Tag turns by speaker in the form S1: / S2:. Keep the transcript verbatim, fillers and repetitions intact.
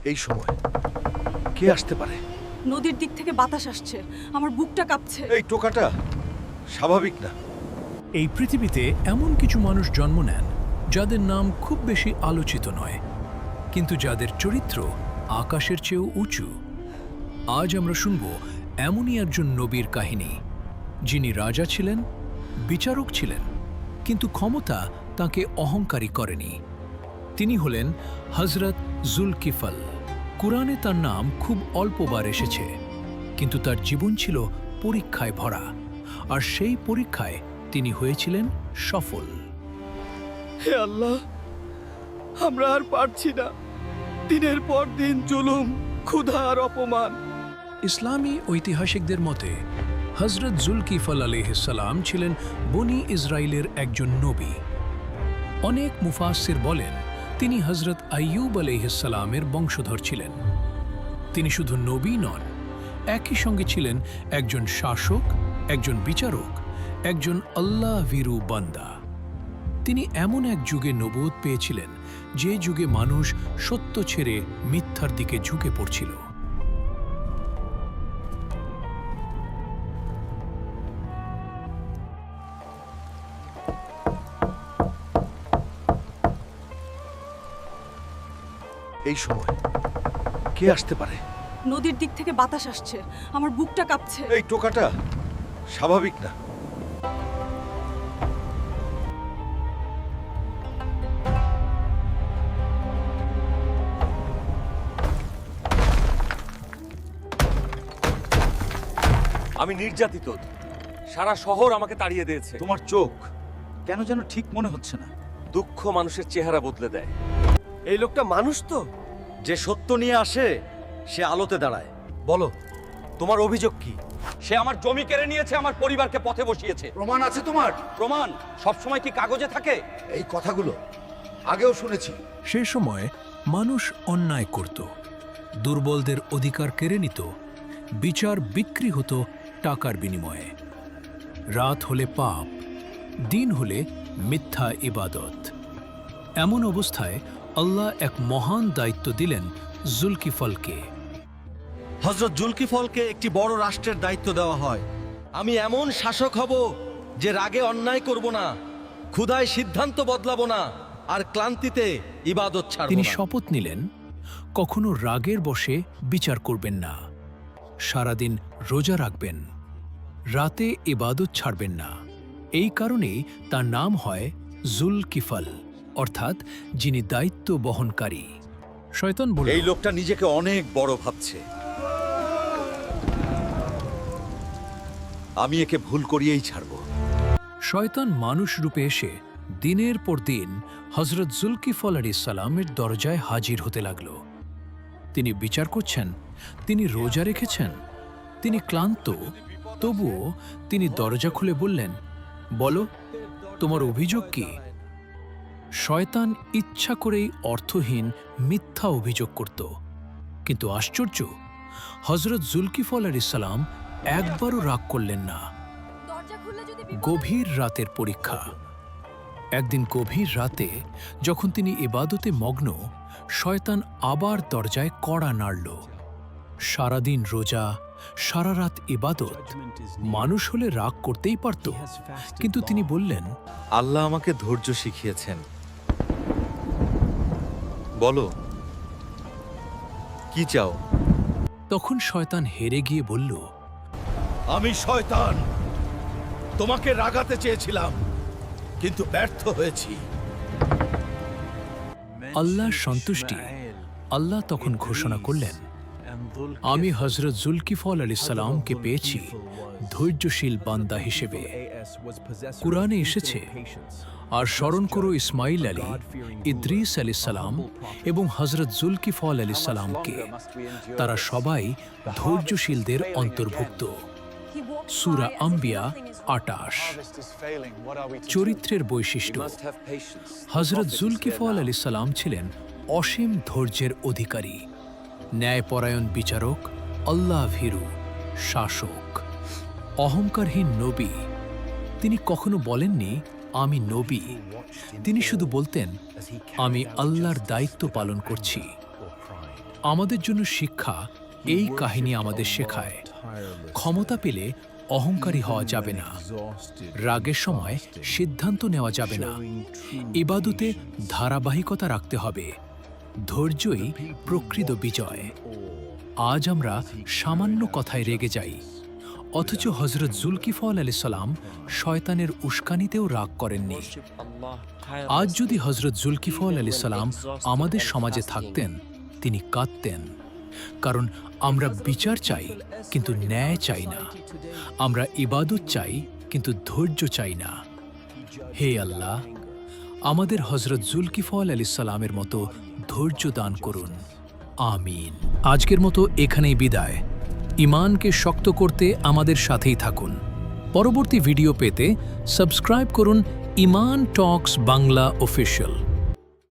S1: এই সময় কে আসতে পারে?
S2: নদীর দিক থেকে বাতাস আসছে, আমার বুকটা কাঁপছে।
S1: এই টোকাটা স্বাভাবিক না।
S3: এই পৃথিবীতে এমন কিছু মানুষ জন্ম নেন যাদের নাম খুব বেশি আলোচিত নয়, কিন্তু যাদের চরিত্র আকাশের চেয়েও উঁচু। আজ আমরা শুনব এমনই একজন নবীর কাহিনী, যিনি রাজা ছিলেন, বিচারক ছিলেন, কিন্তু ক্ষমতা তাকে অহংকারী করেনি। তিনি হলেন হযরত জুলকিফল। কুরআনে তার নাম খুব অল্পবার এসেছে, কিন্তু তার জীবন ছিল পরীক্ষায় ভরা, আর সেই পরীক্ষায় তিনি হয়েছিলেন সফল।
S4: হে আল্লাহ, আমরা আর পারছি না। দিনের পর দিন জুলুম, ক্ষুধা আর অপমান।
S3: ইসলামী ঐতিহাসিকদের মতে হযরত জুলকিফল আলাইহিসসালাম ছিলেন বনি ইসরায়েলের একজন নবী। অনেক মুফাসসির বলেন তিনি হযরত আইয়ুব আলাইহিসসালামের বংশধর ছিলেন। তিনি শুধু নবী নন, একই সঙ্গে ছিলেন একজন শাসক, একজন বিচারক, একজন আল্লাহ ভীরু বান্দা। তিনি এমন এক যুগে নবুয়ত পেয়েছিলেন যে যুগে মানুষ সত্য ছেড়ে মিথ্যার দিকে ঝুঁকে পড়ছিল।
S1: এই সময় কে আসতে পারে?
S2: নদীর দিক থেকে বাতাস আসছে, আমার বুকটা কাঁপছে।
S1: এই টোকাটা স্বাভাবিক না।
S5: আমি নির্যাতিত, সারা শহর আমাকে তাড়িয়ে দিয়েছে।
S1: তোমার চোখ কেন যেন ঠিক মনে হচ্ছে না।
S5: দুঃখ মানুষের চেহারা বদলে দেয়।
S4: এই লোকটা মানুষ তো?
S1: যে সত্য নিয়ে আসে সে আলোতে দাঁড়ায়। বলো, তোমার অভিযোগ কি?
S5: সে আমার জমি কেড়ে নিয়েছে, আমার পরিবারকে পথে বসিয়েছে।
S1: প্রমাণ আছে তোমার?
S5: প্রমাণ সবসময় কি কাগজে থাকে?
S1: এই কথাগুলো আগেও শুনেছি।
S3: সে সময় মানুষ অন্যায় করত, দুর্বলদের অধিকার কেড়ে নিত, বিচার বিক্রি হতো টাকার বিনিময়ে। রাত হলে পাপ, দিন হলে মিথ্যা ইবাদত। এমন অবস্থায় আল্লাহ এক মহান দায়িত্ব দিলেন জুলকিফলকে।
S6: হযরত জুলকিফলকে একটি বড় রাষ্ট্রের দায়িত্ব দেওয়া হয়। আমি এমন শাসক হব যে রাগে অন্যায় করব না, ক্ষুধায় সিদ্ধান্ত বদলাবো না, আর ক্লান্তিতে ইবাদত ছাড়ব
S3: তিনি
S6: না।
S3: শপথ নিলেন কখনো রাগের বশে বিচার করবেন না, সারাদিন রোজা রাখবেন, রাতে ইবাদত ছাড়বেন না। এই কারণেই তার নাম হয় জুলকিফল, অর্থাৎ যিনি দায়িত্ব বহনকারী। শয়তান বলল,
S1: এই লোকটা নিজেকে অনেক বড় ভাবছে। আমি একে ভুল করিয়েই ছাড়ব।
S3: শয়তান মানুষ রূপে এসে দিনের পর দিন হযরত জুলকিফল আলাইহিস সালামের দরজায় হাজির হতে লাগল। তিনি বিচার করছেন, তিনি রোজা রেখেছেন, তিনি ক্লান্ত, তবুও তিনি দরজা খুলে বললেন, বলো, তোমার অভিযোগ কি? শয়তান ইচ্ছা করেই অর্থহীন মিথ্যা অভিযোগ করত, কিন্তু আশ্চর্য, হযরত জুলকিফল আলাইহিস সালাম একবারও রাগ করলেন না। গভীর রাতের পরীক্ষা। একদিন গভীর রাতে যখন তিনি ইবাদতে মগ্ন, শয়তান আবার দরজায় কড়া নাড়ল। সারাদিন রোজা, সারা রাত ইবাদত, মানুষ হলে রাগ করতেই পারত, কিন্তু তিনি বললেন,
S1: আল্লাহ আমাকে ধৈর্য শিখিয়েছেন। বলো, কি চাও?
S3: তখন শয়তান হেরে গিয়ে বলল,
S6: আমি শয়তান, তোমাকে রাগাতে চেয়েছিলাম, কিন্তু ব্যর্থ হয়েছি।
S3: আল্লাহর সন্তুষ্টি। আল্লাহ তখন ঘোষণা করলেন, আমি হযরত জুলকিফল আলাইহিস সালামকে পেয়েছি ধৈর্যশীল বান্দা হিসেবে। কুরআনে এসেছে, আর স্মরণ করো ইসমাইল আলী, ইদ্রিস আলাইহিস সালাম এবং হযরত জুলকিফল আলাইহিস সালামকে। তারা সবাই ধৈর্যশীলদের অন্তর্ভুক্ত। সূরা আম্বিয়া আটাশ। চরিত্রের বৈশিষ্ট্য। হযরত জুলকিফল আলাইহিস সালাম ছিলেন অসীম ধৈর্যের অধিকারী, ন্যায়পরায়ণ বিচারক, আল্লাহ ভীরু শাসক, অহংকারহীন নবী। তিনি কখনো বলেননি আমি নবী, তিনি শুধু বলতেন আমি আল্লাহর দায়িত্ব পালন করছি। আমাদের জন্য শিক্ষা এই কাহিনী আমাদের শেখায় ক্ষমতা পেলে অহংকারী হওয়া যাবে না, রাগের সময় সিদ্ধান্ত নেওয়া যাবে না, ইবাদতে ধারাবাহিকতা রাখতে হবে, ধৈর্যই প্রকৃত বিজয়। আজ আমরা সামান্য কথায় রেগে যাই, অথচ হজরত জুলকিফল আলাইহিস সালাম শয়তানের উস্কানিতেও রাগ করেননি। আজ যদি হজরত জুলকিফল আলাইহিস সালাম আমাদের সমাজে থাকতেন, তিনি কাঁদতেন, কারণ আমরা বিচার চাই কিন্তু ন্যায় চাই না, আমরা ইবাদত চাই কিন্তু ধৈর্য চাই না। হে আল্লাহ, আমাদের হজরত জুলকিফল আলাইহিস সালামের মতো ধৈর্য দান করুন, আমিন। আজকের মতো এখানেই বিদায়। ঈমানকে শক্ত করতে আমাদের সাথেই থাকুন। পরবর্তী ভিডিও পেতে সাবস্ক্রাইব করুন ঈমান টক্স বাংলা অফিসিয়াল।